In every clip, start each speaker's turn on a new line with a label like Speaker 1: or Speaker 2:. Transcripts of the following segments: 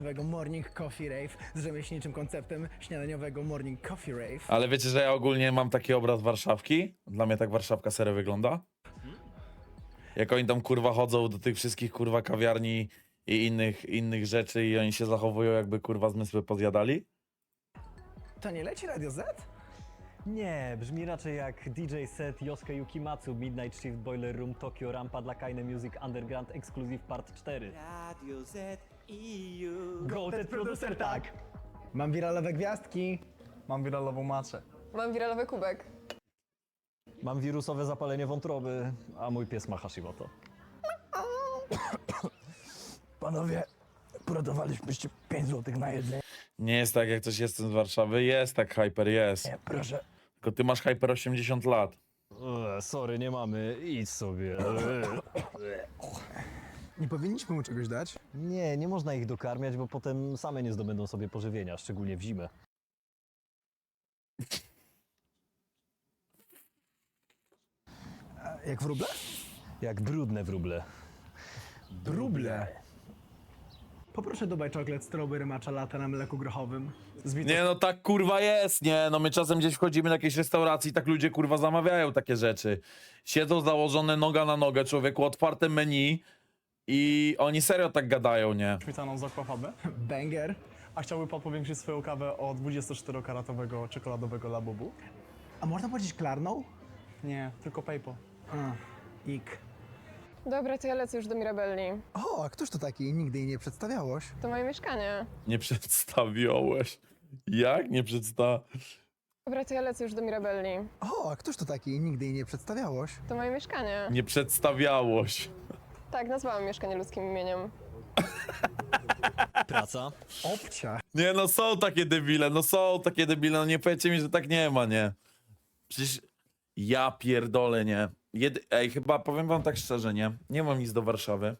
Speaker 1: Morning Coffee Rave z rzemieślniczym konceptem śniadaniowego Morning Coffee Rave.
Speaker 2: Ale wiecie, że ja ogólnie mam taki obraz Warszawki? Dla mnie tak Warszawka serio wygląda. Jak oni tam kurwa chodzą do tych wszystkich kurwa kawiarni i innych rzeczy i oni się zachowują jakby kurwa zmysły pozjadali.
Speaker 1: To nie leci Radio Z?
Speaker 3: Nie, brzmi raczej jak DJ set Yosuke Yukimatsu, Midnight Shift, Boiler Room, Tokyo, Rampa dla Kaine Music, Underground Exclusive Part 4.
Speaker 4: Radio Z EU.
Speaker 3: Goated producer, tak!
Speaker 1: Mam wiralowe gwiazdki.
Speaker 5: Mam wiralową maczę.
Speaker 6: Mam wiralowy kubek.
Speaker 3: Mam wirusowe zapalenie wątroby, a mój pies ma Hashimoto.
Speaker 5: Panowie, uratowalibyście 5 zł na jedzenie.
Speaker 2: Nie jest tak, jak coś jestem z Warszawy. Jest tak, Hyper, jest.
Speaker 5: Nie, proszę.
Speaker 2: Tylko ty masz Hyper 80 lat.
Speaker 3: Sorry, nie mamy, idź sobie.
Speaker 1: Nie powinniśmy mu czegoś dać?
Speaker 3: Nie można ich dokarmiać, bo potem same nie zdobędą sobie pożywienia, szczególnie w zimę.
Speaker 1: Jak wróble?
Speaker 3: Jak brudne wróble.
Speaker 1: Wróble. Poproszę Dubai Chocolate Strawberry Matcha Latte na mleku grochowym.
Speaker 2: Nie no, tak kurwa jest, nie? No my czasem gdzieś wchodzimy do jakiejś restauracji, tak ludzie kurwa zamawiają takie rzeczy. Siedzą założone noga na nogę, człowieku, otwarte menu i oni serio tak gadają, nie?
Speaker 5: Śmietaną z aquafabę.
Speaker 1: Banger.
Speaker 5: A chciałby pan powiększyć swoją kawę o 24-karatowego czekoladowego Labubu?
Speaker 1: A można powiedzieć klarną?
Speaker 5: Nie, tylko PayPal.
Speaker 1: A, ik.
Speaker 6: Dobra, to ja lecę już do Mirabelli.
Speaker 1: O, a któż to taki? Nigdy jej nie przedstawiałoś.
Speaker 6: To moje mieszkanie.
Speaker 2: Nie przedstawiałeś. Jak nie
Speaker 6: Dobra, to ja lecę już do Mirabelli.
Speaker 1: O, a któż to taki? Nigdy jej nie przedstawiałoś.
Speaker 6: To moje mieszkanie.
Speaker 2: Nie przedstawiałoś.
Speaker 6: Tak, nazwałam mieszkanie ludzkim imieniem.
Speaker 3: Praca.
Speaker 1: Obcia.
Speaker 2: Nie no, są takie debile, no nie powiedzcie mi, że tak nie ma, nie? Przecież ja pierdolę, nie? Ej, chyba powiem wam tak szczerze, nie? Nie mam nic do Warszawy.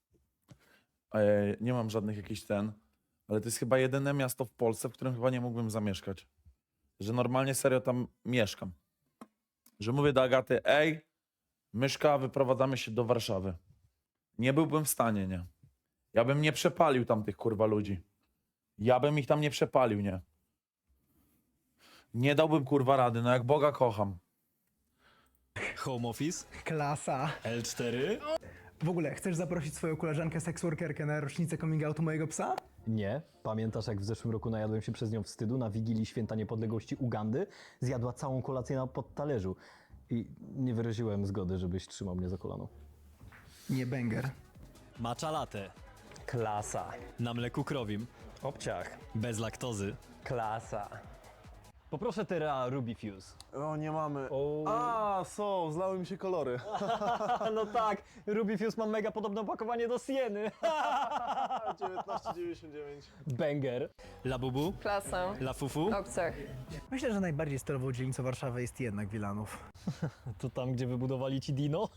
Speaker 2: Nie mam żadnych jakichś ale to jest chyba jedyne miasto w Polsce, w którym chyba nie mógłbym zamieszkać. Że normalnie serio tam mieszkam. Że mówię do Agaty, ej, Myszka, wyprowadzamy się do Warszawy. Nie byłbym w stanie, nie? Ja bym nie przepalił tam tych kurwa ludzi. Ja bym ich tam nie przepalił, nie? Nie dałbym kurwa rady, no jak Boga kocham.
Speaker 3: Home office.
Speaker 1: Klasa.
Speaker 3: L4.
Speaker 1: W ogóle, chcesz zaprosić swoją koleżankę seksworkerkę na rocznicę coming outu mojego psa?
Speaker 3: Nie. Pamiętasz, jak w zeszłym roku najadłem się przez nią wstydu na Wigilii Święta Niepodległości Ugandy? Zjadła całą kolację na podtalerzu. I nie wyraziłem zgody, żebyś trzymał mnie za kolano.
Speaker 1: Nie banger.
Speaker 7: Matcha latte.
Speaker 3: Klasa.
Speaker 7: Na mleku krowim.
Speaker 3: Obciach.
Speaker 7: Bez laktozy.
Speaker 3: Klasa. Poproszę teraz Ruby Fuse.
Speaker 5: O, nie mamy.
Speaker 3: O.
Speaker 5: A, są, zlały mi się kolory.
Speaker 3: No tak, Ruby Fuse ma mega podobne opakowanie do Sieny.
Speaker 5: 19,99.
Speaker 3: Banger.
Speaker 7: Labubu.
Speaker 6: Klasa.
Speaker 7: Lafufu.
Speaker 6: Obcach.
Speaker 1: Myślę, że najbardziej stylową dzielnicą Warszawy jest jednak Wilanów.
Speaker 3: To tam, gdzie wybudowali ci Dino?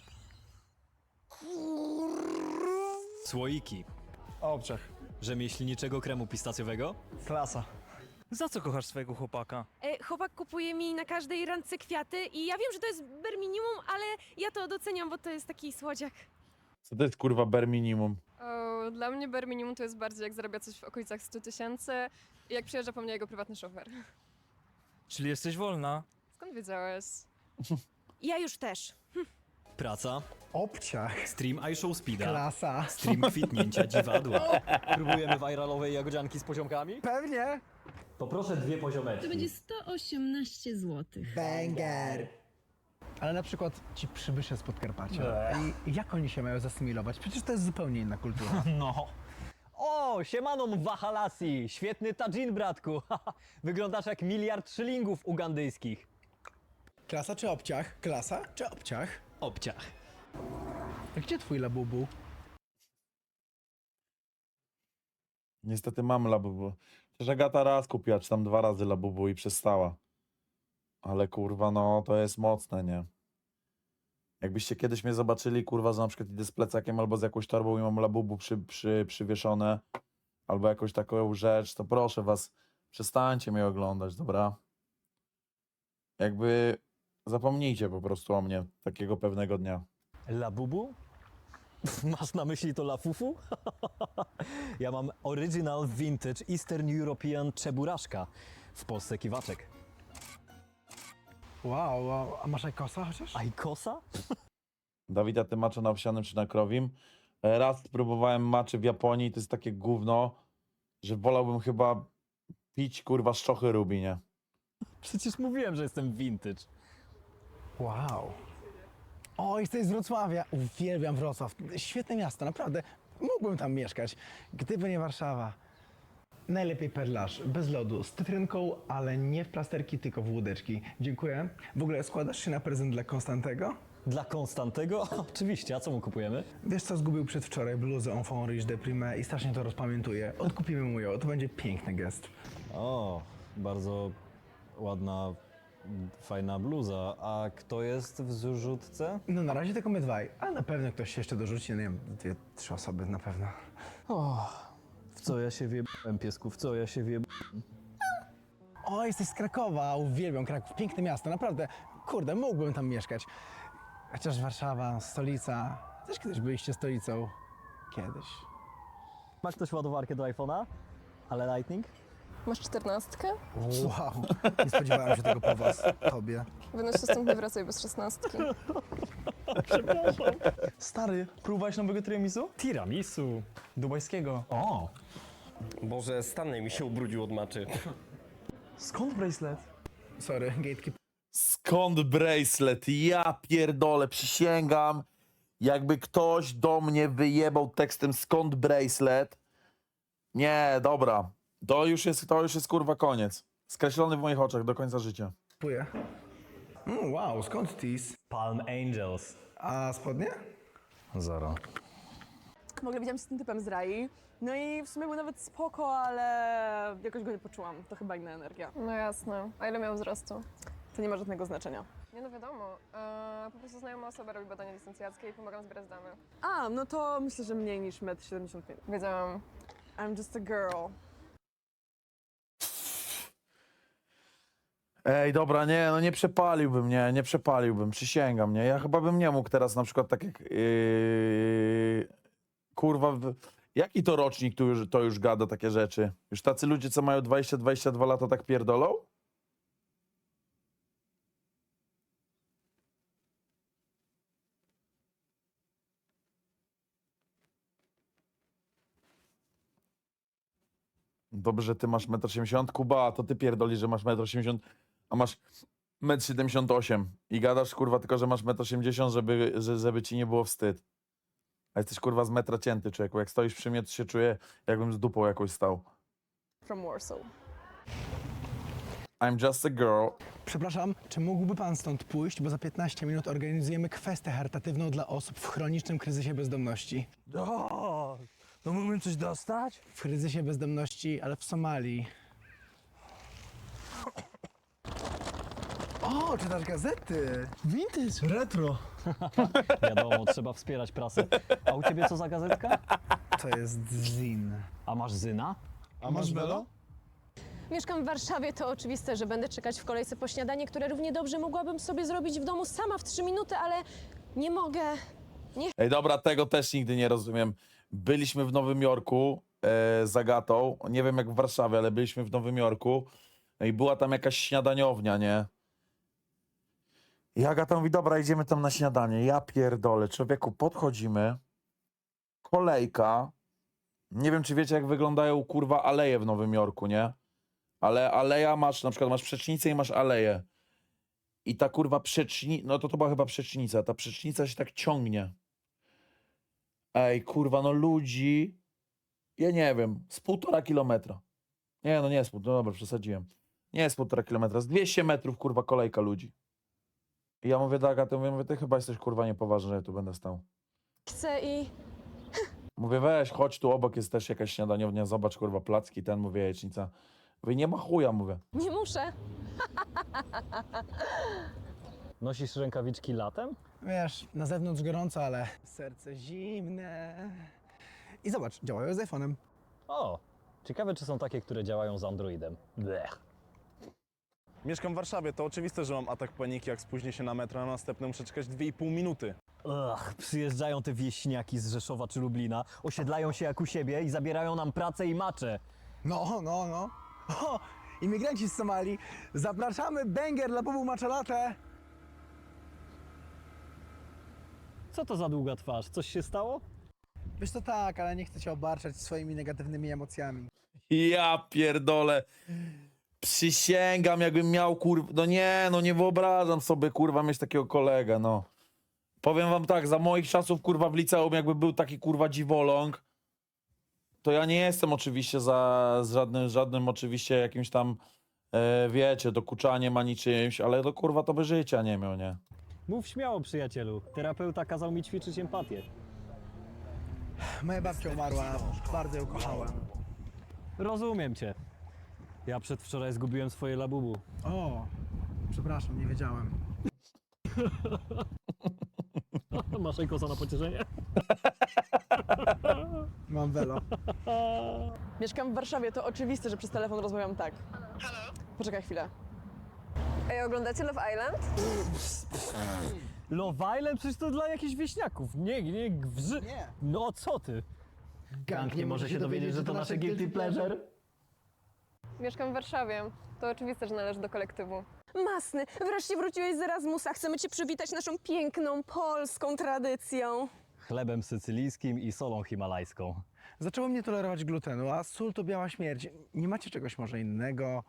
Speaker 7: Słoiki.
Speaker 5: Obciach.
Speaker 7: Rzemieślniczego kremu pistacjowego.
Speaker 5: Klasa.
Speaker 8: Za co kochasz swojego chłopaka?
Speaker 9: Chłopak kupuje mi na każdej randce kwiaty i ja wiem, że to jest bare minimum, ale ja to doceniam, bo to jest taki słodziak.
Speaker 2: Co to jest kurwa bare minimum?
Speaker 6: O, dla mnie bare minimum to jest bardziej jak zarabia coś w okolicach 100 000 i jak przyjeżdża po mnie jego prywatny szofer.
Speaker 8: Czyli jesteś wolna?
Speaker 6: Skąd wiedziałeś?
Speaker 9: Ja już też.
Speaker 7: Praca.
Speaker 1: Obciach.
Speaker 7: Stream iShow Speeda.
Speaker 1: Klasa.
Speaker 7: Stream kwitnięcia dziwadła.
Speaker 3: Próbujemy viralowej jagodzianki z poziomkami?
Speaker 1: Pewnie.
Speaker 3: Poproszę 2 poziomeczki.
Speaker 9: 118 zł.
Speaker 1: Banger. Ale na przykład ci przybysze z Podkarpacia. I jak oni się mają zasymilować? Przecież to jest zupełnie inna kultura.
Speaker 3: No. O, siemano Mwahalasi! Świetny tadżin, bratku. Wyglądasz jak miliard szylingów ugandyjskich.
Speaker 1: Klasa czy obciach? Klasa czy obciach?
Speaker 7: Obciach.
Speaker 1: A gdzie twój labubu?
Speaker 2: Niestety mam Labubu. Przecież Agata raz kupiła, czy tam 2 razy Labubu i przestała. Ale kurwa, no to jest mocne, nie? Jakbyście kiedyś mnie zobaczyli, kurwa, że na przykład idę z plecakiem albo z jakąś torbą i mam Labubu przywieszone, albo jakąś taką rzecz, to proszę was, przestańcie mnie oglądać, dobra? Jakby zapomnijcie po prostu o mnie takiego pewnego dnia.
Speaker 3: Labubu? Masz na myśli to lafufu? Ja mam Original Vintage Eastern European Czeburaszka. W Polsce kiwaczek.
Speaker 1: Wow, a masz ajkosa chociaż?
Speaker 3: A i kosa?
Speaker 2: Dawid, a ty maczo na owsianym czy na krowim? Raz próbowałem maczy w Japonii, to jest takie gówno, że wolałbym chyba pić kurwa szczochy Rubi, nie?
Speaker 3: Przecież mówiłem, że jestem vintage.
Speaker 1: Wow. O, jesteś z Wrocławia. Uwielbiam Wrocław. Świetne miasto, naprawdę. Mógłbym tam mieszkać, gdyby nie Warszawa. Najlepiej perlaż, bez lodu, z cytrynką, ale nie w plasterki, tylko w łódeczki. Dziękuję. W ogóle składasz się na prezent dla Konstantego?
Speaker 3: Dla Konstantego? Oczywiście, a co mu kupujemy?
Speaker 1: Wiesz co, zgubił przedwczoraj bluzę Enfant Riche de Prime i strasznie to rozpamiętuje. Odkupimy mu ją, to będzie piękny gest.
Speaker 3: O, bardzo ładna, fajna bluza. A kto jest w zrzutce?
Speaker 1: No na razie tylko my dwaj, ale na pewno ktoś się jeszcze dorzuci, no nie wiem, 2-3 osoby na pewno.
Speaker 3: W co ja się wiebałem, piesku, w co ja się wiebałem?
Speaker 1: O, jesteś z Krakowa, uwielbiam Kraków, piękne miasto, naprawdę. Kurde, mógłbym tam mieszkać. Chociaż Warszawa, stolica, też kiedyś byliście stolicą. Kiedyś.
Speaker 3: Ma ktoś ładowarkę do iPhone'a? Ale Lightning?
Speaker 6: Masz 14?
Speaker 1: Wow, nie spodziewałem się tego po was, tobie.
Speaker 6: Wynoś się stąd, nie wracaj bez 16.
Speaker 5: Stary, próbowałeś nowego tiramisu?
Speaker 8: Tiramisu.
Speaker 5: Dubajskiego.
Speaker 3: O!
Speaker 10: Boże, Stanley mi się ubrudził od maczy.
Speaker 5: Skąd bracelet?
Speaker 1: Sorry, gatekeeper.
Speaker 2: Skąd bracelet? Ja pierdolę, przysięgam. Jakby ktoś do mnie wyjebał tekstem skąd bracelet. Nie, dobra. To już jest kurwa koniec. Skreślony w moich oczach do końca życia.
Speaker 1: Kupuję. Wow, skąd tease?
Speaker 3: Palm Angels.
Speaker 1: A spodnie?
Speaker 3: Zero.
Speaker 11: W ogóle widziałam się z tym typem z Rai. No i w sumie był nawet spoko, ale jakoś go nie poczułam. To chyba inna energia.
Speaker 6: No jasne. A ile miał wzrostu?
Speaker 11: To nie ma żadnego znaczenia.
Speaker 6: Nie no wiadomo. Po prostu znajoma osoba robi badania licencjackie i pomagam zbierać dane.
Speaker 11: A, no to myślę, że mniej niż 1,75 m.
Speaker 6: Wiedziałam.
Speaker 11: I'm just a girl.
Speaker 2: Ej, dobra, nie, no nie przepaliłbym, przysięgam, nie. Ja chyba bym nie mógł teraz na przykład tak jak... kurwa, jaki to rocznik to już gada takie rzeczy? Już tacy ludzie, co mają 20-22 lata tak pierdolą? Dobrze, że ty masz 1,70 m. Kuba, to ty pierdoli, że masz 1,80 m, a masz 1,78 m. I gadasz, kurwa, tylko, że masz 1,80 m, żeby ci nie było wstyd. A jesteś, kurwa, z metra cięty, człowieku. Jak stoisz przy mnie, to się czuję, jakbym z dupą jakoś stał.
Speaker 11: From Warsaw.
Speaker 2: I'm just a girl.
Speaker 1: Przepraszam, czy mógłby pan stąd pójść, bo za 15 minut organizujemy kwestię charytatywną dla osób w chronicznym kryzysie bezdomności.
Speaker 8: O, no mógłbym coś dostać?
Speaker 1: W kryzysie bezdomności, ale w Somalii. O, czytasz gazety? Vintage, retro.
Speaker 3: Wiadomo, trzeba wspierać prasę. A u ciebie co za gazetka?
Speaker 1: To jest zin.
Speaker 3: A masz Zyna?
Speaker 1: A masz Belo?
Speaker 9: Mieszkam w Warszawie, to oczywiste, że będę czekać w kolejce po śniadanie, które równie dobrze mogłabym sobie zrobić w domu sama w 3 minuty, ale nie mogę.
Speaker 2: Ej, dobra, tego też nigdy nie rozumiem. Byliśmy w Nowym Jorku z Agatą. Nie wiem jak w Warszawie, ale byliśmy w Nowym Jorku. No i była tam jakaś śniadaniownia, nie? I Agata mówi, dobra, idziemy tam na śniadanie. Ja pierdolę, człowieku, podchodzimy. Kolejka. Nie wiem, czy wiecie, jak wyglądają, kurwa, aleje w Nowym Jorku, nie? Ale aleja masz, na przykład masz przecznicę i masz aleję. I ta kurwa no to była chyba przecznica. Ta przecznica się tak ciągnie. Ej, kurwa, no ludzi, ja nie wiem, z 1,5 kilometra. Nie, no nie jest no dobra, przesadziłem. Nie jest 1,5 kilometra, z 200 metrów, kurwa, kolejka ludzi. I ja mówię do Agaty, mówię, ty chyba jesteś, kurwa, niepoważny, że ja tu będę stał.
Speaker 9: Chcę i
Speaker 2: Mówię, weź, chodź tu, obok jest też jakaś śniadaniownia, zobacz, kurwa, placki, ten, mówię, jajecznica. Mówię, nie ma chuja, mówię.
Speaker 9: nie muszę.
Speaker 3: Nosisz rękawiczki latem?
Speaker 1: Wiesz, na zewnątrz gorąco, ale serce zimne. I zobacz, działają z iPhone'em.
Speaker 3: O, ciekawe czy są takie, które działają z Androidem. Blech.
Speaker 5: Mieszkam w Warszawie, to oczywiste, że mam atak paniki, jak spóźnię się na metro, a następne muszę czekać 2,5 minuty.
Speaker 3: Przyjeżdżają te wieśniaki z Rzeszowa czy Lublina, osiedlają się jak u siebie i zabierają nam pracę i macze.
Speaker 1: No. O, imigranci z Somalii, zapraszamy banger dla Bubu Maczalatę.
Speaker 3: Co to za długa twarz? Coś się stało?
Speaker 1: Wiesz to tak, ale nie chcę cię obarczać swoimi negatywnymi emocjami.
Speaker 2: Ja pierdolę. Przysięgam, jakbym miał kurwa. No nie wyobrażam sobie kurwa mieć takiego kolegę, no. Powiem wam tak, za moich czasów kurwa w liceum, jakby był taki kurwa dziwoląg, to ja nie jestem oczywiście z żadnym oczywiście jakimś tam, wiecie, dokuczaniem ani czymś, ale to kurwa to by życia nie miał, nie?
Speaker 3: Mów śmiało, przyjacielu. Terapeuta kazał mi ćwiczyć empatię.
Speaker 1: Moja babcia umarła, bardzo ją kochałem.
Speaker 3: Rozumiem cię. Ja przedwczoraj zgubiłem swoje labubu.
Speaker 1: O, przepraszam, nie wiedziałem.
Speaker 3: Masz kosa na pocieszenie?
Speaker 1: Mam welo.
Speaker 11: Mieszkam w Warszawie, to oczywiste, że przez telefon rozmawiam tak. Halo? Poczekaj chwilę.
Speaker 6: Ej, oglądacie Love Island?
Speaker 3: Love Island? Przecież to dla jakichś wieśniaków. Nie.
Speaker 1: Nie.
Speaker 3: No co ty? Gang nie może się dowiedzieć, że to nasze guilty pleasure.
Speaker 6: Mieszkam w Warszawie. To oczywiste, że należy do kolektywu.
Speaker 9: Masny, wreszcie wróciłeś z Erasmusa. Chcemy cię przywitać naszą piękną, polską tradycją.
Speaker 3: Chlebem sycylijskim i solą himalajską.
Speaker 1: Zaczęło mnie tolerować glutenu, a sól to biała śmierć. Nie macie czegoś może innego?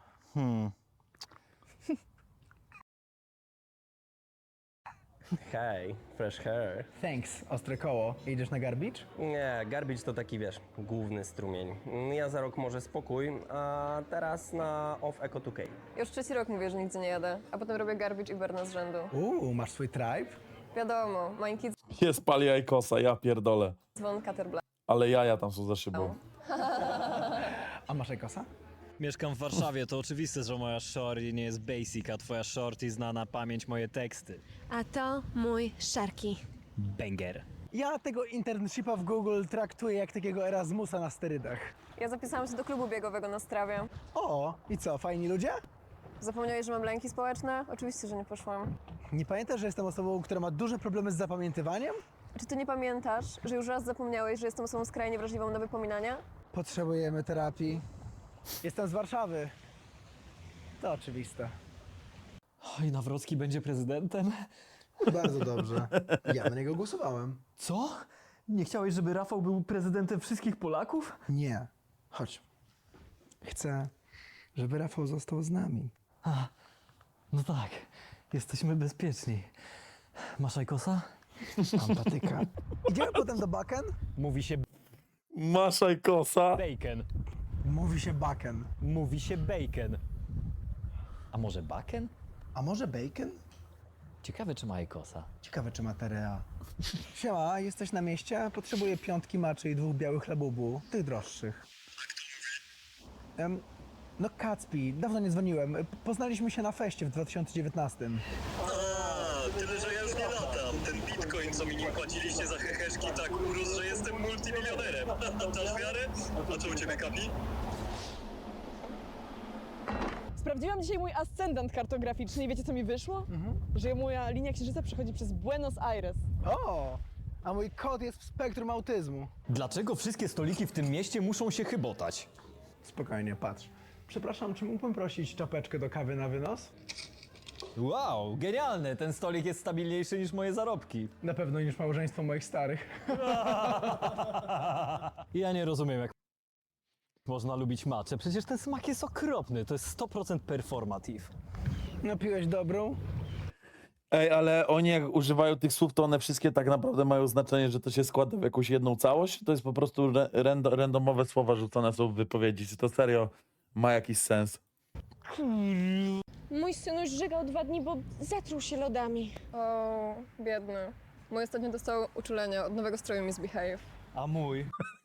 Speaker 10: Hej, fresh hair.
Speaker 1: Thanks, ostre koło. Idziesz na garbage?
Speaker 10: Nie, garbage to taki, wiesz, główny strumień. Ja za rok może spokój, a teraz na off Eco 2K.
Speaker 6: Już 3. rok mówię, że nigdzie nie jadę, a potem robię garbage i Berna z rzędu.
Speaker 1: Masz swój tribe?
Speaker 6: Wiadomo, Mine Kids,
Speaker 2: Jest pali jajkosa, ja pierdolę.
Speaker 6: Von Caterblack.
Speaker 2: Ale jaja tam są za szybą.
Speaker 1: A masz kosa?
Speaker 7: Mieszkam w Warszawie, to oczywiste, że moja shorty nie jest basic, a twoja shorty zna na pamięć moje teksty.
Speaker 9: A to mój Szarki.
Speaker 7: Banger.
Speaker 1: Ja tego internshipa w Google traktuję jak takiego Erasmusa na sterydach.
Speaker 6: Ja zapisałam się do klubu biegowego na Strawie.
Speaker 1: O, i co, fajni ludzie?
Speaker 6: Zapomniałeś, że mam lęki społeczne? Oczywiście, że nie poszłam.
Speaker 1: Nie pamiętasz, że jestem osobą, która ma duże problemy z zapamiętywaniem?
Speaker 6: Czy ty nie pamiętasz, że już raz zapomniałeś, że jestem osobą skrajnie wrażliwą na wypominania?
Speaker 1: Potrzebujemy terapii. Jestem z Warszawy. To oczywiste.
Speaker 3: Oj, Nawrocki będzie prezydentem?
Speaker 1: Bardzo dobrze. Ja na niego głosowałem.
Speaker 3: Co? Nie chciałeś, żeby Rafał był prezydentem wszystkich Polaków?
Speaker 1: Nie. Chodź. Chcę, żeby Rafał został z nami.
Speaker 3: No tak, jesteśmy bezpieczni. Masz ajkosa?
Speaker 1: Mam patyka. Idziemy potem do Baken?
Speaker 3: Mówi się
Speaker 2: Masz jajkosa?
Speaker 3: bacon.
Speaker 1: Mówi się Baken.
Speaker 3: Mówi się bacon. A może baken?
Speaker 1: A może bacon?
Speaker 3: Ciekawe, czy ma ajkosa.
Speaker 1: Ciekawe, czy ma terea. Siema, jesteś na mieście? Potrzebuję 5 maczy i 2 białych labubu. Tych droższych. No Kacpi, dawno nie dzwoniłem. Poznaliśmy się na feście w 2019.
Speaker 12: Tyle, że ja już nie latam. Ten bitcoin, co mi nim płaciliście za heheszki, tak urósł, że jestem multimilionerem. Dasz wiarę? A co u ciebie, Kapi?
Speaker 11: Sprawdziłam dzisiaj mój ascendant kartograficzny i wiecie, co mi wyszło? Że moja linia księżyca przechodzi przez Buenos Aires.
Speaker 1: O! A mój kot jest w spektrum autyzmu.
Speaker 3: Dlaczego wszystkie stoliki w tym mieście muszą się chybotać?
Speaker 1: Spokojnie, patrz. Przepraszam, czy mógłbym prosić czapeczkę do kawy na wynos?
Speaker 3: Wow, genialne! Ten stolik jest stabilniejszy niż moje zarobki.
Speaker 1: Na pewno niż małżeństwo moich starych.
Speaker 3: Ja nie rozumiem, jak można lubić matcha. Przecież ten smak jest okropny. To jest 100% performative.
Speaker 1: Napiłeś dobrą?
Speaker 2: Ej, ale oni jak używają tych słów, to one wszystkie tak naprawdę mają znaczenie, że to się składa w jakąś jedną całość? To jest po prostu randomowe słowa rzucone są w wypowiedzi. Czy to serio ma jakiś sens?
Speaker 9: Mój synuś żygał 2 dni, bo zatruł się lodami.
Speaker 6: O, biedny. Mój ostatnio dostał uczulenia od nowego stroju Misbehave.
Speaker 3: A mój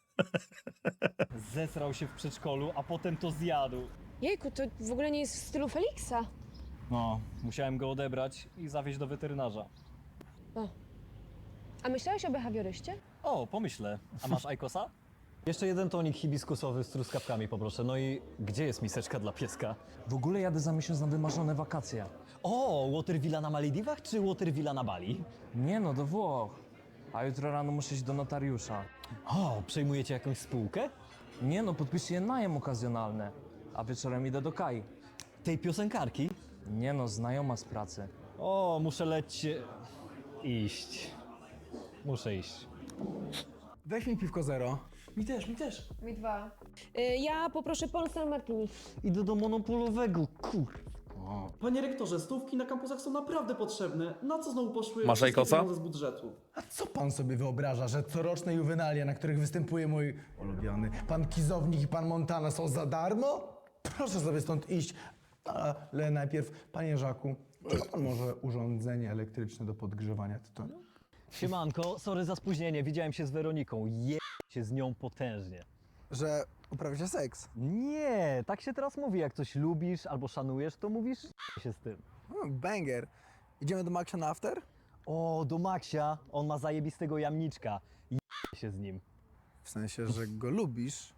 Speaker 3: zesrał się w przedszkolu, a potem to zjadł.
Speaker 9: Jejku, to w ogóle nie jest w stylu Feliksa.
Speaker 3: No, musiałem go odebrać i zawieźć do weterynarza.
Speaker 9: A myślałeś o behawioryście?
Speaker 3: O, pomyślę. A masz ajkosa? Jeszcze jeden tonik hibiskusowy z truskawkami poproszę. No i gdzie jest miseczka dla pieska?
Speaker 8: W ogóle jadę za miesiąc na wymarzone wakacje.
Speaker 3: O, Watervilla na Malediwach czy Watervilla na Bali?
Speaker 8: Nie no, do Włoch. A jutro rano muszę iść do notariusza.
Speaker 3: O, przejmujecie jakąś spółkę?
Speaker 8: Nie no, podpisuję najem okazjonalny. A wieczorem idę do Kai.
Speaker 3: Tej piosenkarki?
Speaker 8: Nie no, znajoma z pracy.
Speaker 3: O, muszę iść. Muszę iść.
Speaker 1: Weź mi piwko zero.
Speaker 5: Mi też.
Speaker 9: Mi 2. Ja poproszę Polsal Martini.
Speaker 3: Idę do monopolowego,
Speaker 5: Panie rektorze, stówki na kampusach są naprawdę potrzebne. Na co znowu poszły
Speaker 2: Masz Ajkosa?
Speaker 5: pieniądze z budżetu?
Speaker 1: A co pan sobie wyobraża, że coroczne juwenalia, na których występuje mój ulubiony pan Kizownik i pan Montana są za darmo? Proszę sobie stąd iść. Ale najpierw, panie Żaku, czy ma pan może urządzenie elektryczne do podgrzewania tytoniu?
Speaker 3: Siemanko, sorry za spóźnienie, widziałem się z Weroniką. Się z nią potężnie.
Speaker 1: Że uprawiacie seks?
Speaker 3: Nie, tak się teraz mówi, jak coś lubisz albo szanujesz, to mówisz się z tym.
Speaker 1: Banger. Idziemy do Maxia na after?
Speaker 3: O, do Maxia, on ma zajebistego jamniczka. Się z nim.
Speaker 1: W sensie, że go lubisz.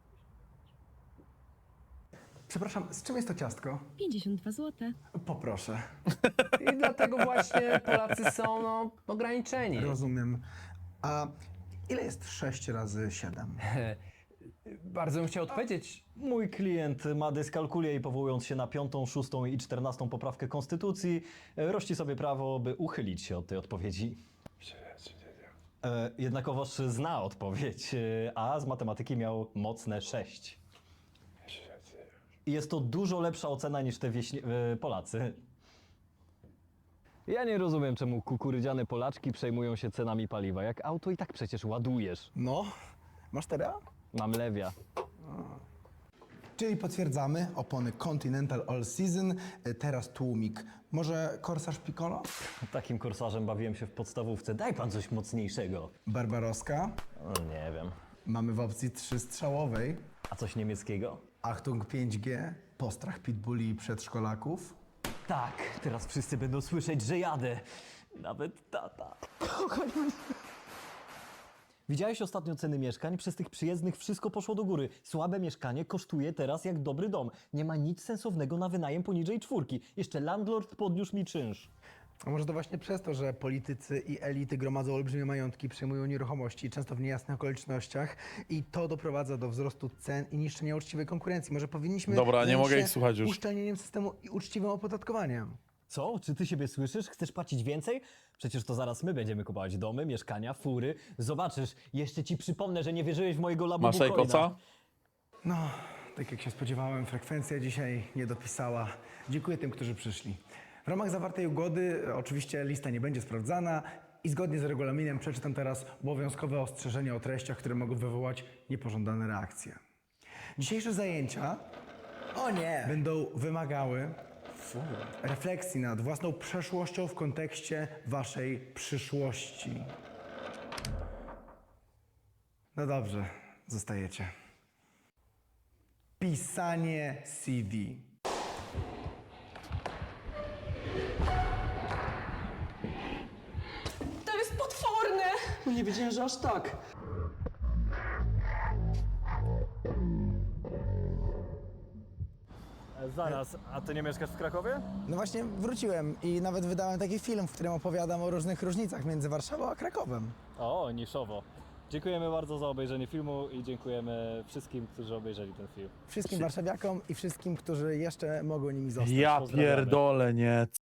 Speaker 1: Przepraszam, z czym jest to ciastko?
Speaker 9: 52 zł.
Speaker 1: Poproszę.
Speaker 10: I dlatego właśnie Polacy są ograniczeni.
Speaker 1: Rozumiem. A ile jest 6 razy 7?
Speaker 10: Bardzo bym chciał odpowiedzieć.
Speaker 3: Mój klient ma dyskalkulię i powołując się na 5., 6. i 14. poprawkę Konstytucji, rości sobie prawo, by uchylić się od tej odpowiedzi. Jednakowoż zna odpowiedź, a z matematyki miał mocne 6. I jest to dużo lepsza ocena niż te Polacy. Ja nie rozumiem, czemu kukurydziane Polaczki przejmują się cenami paliwa. Jak auto i tak przecież ładujesz.
Speaker 1: No, masz teraz?
Speaker 3: Mam lewia.
Speaker 1: Czyli potwierdzamy, opony Continental All Season, teraz tłumik. Może Corsair Piccolo?
Speaker 3: Takim korsarzem bawiłem się w podstawówce. Daj pan coś mocniejszego.
Speaker 1: Barbaroska?
Speaker 3: Nie wiem.
Speaker 1: Mamy w opcji 3-strzałowej.
Speaker 3: A coś niemieckiego?
Speaker 1: Achtung 5G, postrach pitbulli i przedszkolaków.
Speaker 3: Tak, teraz wszyscy będą słyszeć, że jadę. Nawet tata. Widziałeś ostatnio ceny mieszkań? Przez tych przyjezdnych wszystko poszło do góry. Słabe mieszkanie kosztuje teraz jak dobry dom. Nie ma nic sensownego na wynajem poniżej 4. Jeszcze landlord podniósł mi czynsz.
Speaker 1: A może to właśnie przez to, że politycy i elity gromadzą olbrzymie majątki, przejmują nieruchomości, często w niejasnych okolicznościach i to doprowadza do wzrostu cen i niszczenia uczciwej konkurencji. Może powinniśmy
Speaker 2: Dobra, nie
Speaker 1: zająć
Speaker 2: mogę
Speaker 1: się
Speaker 2: ich słuchać już.
Speaker 1: uszczelnieniem systemu i uczciwym opodatkowaniem.
Speaker 3: Co? Czy ty siebie słyszysz? Chcesz płacić więcej? Przecież to zaraz my będziemy kupować domy, mieszkania, fury. Zobaczysz, jeszcze ci przypomnę, że nie wierzyłeś w mojego labubu
Speaker 2: Masz Ajkosa?
Speaker 1: No, tak jak się spodziewałem, frekwencja dzisiaj nie dopisała. Dziękuję tym, którzy przyszli. W ramach zawartej ugody oczywiście lista nie będzie sprawdzana i zgodnie z regulaminem przeczytam teraz obowiązkowe ostrzeżenia o treściach, które mogą wywołać niepożądane reakcje. Dzisiejsze zajęcia będą wymagały refleksji nad własną przeszłością w kontekście waszej przyszłości. No dobrze, zostajecie. Pisanie CD.
Speaker 11: To jest potworne!
Speaker 5: No nie wiedziałem, że aż tak.
Speaker 7: Zaraz, a ty nie mieszkasz w Krakowie?
Speaker 1: No właśnie wróciłem i nawet wydałem taki film, w którym opowiadam o różnych różnicach między Warszawą a Krakowem.
Speaker 7: O, niszowo. Dziękujemy bardzo za obejrzenie filmu i dziękujemy wszystkim, którzy obejrzeli ten film.
Speaker 1: Wszystkim warszawiakom i wszystkim, którzy jeszcze mogą nimi zostać.
Speaker 2: Ja
Speaker 7: Pozdrawiamy.
Speaker 2: pierdolę, nie.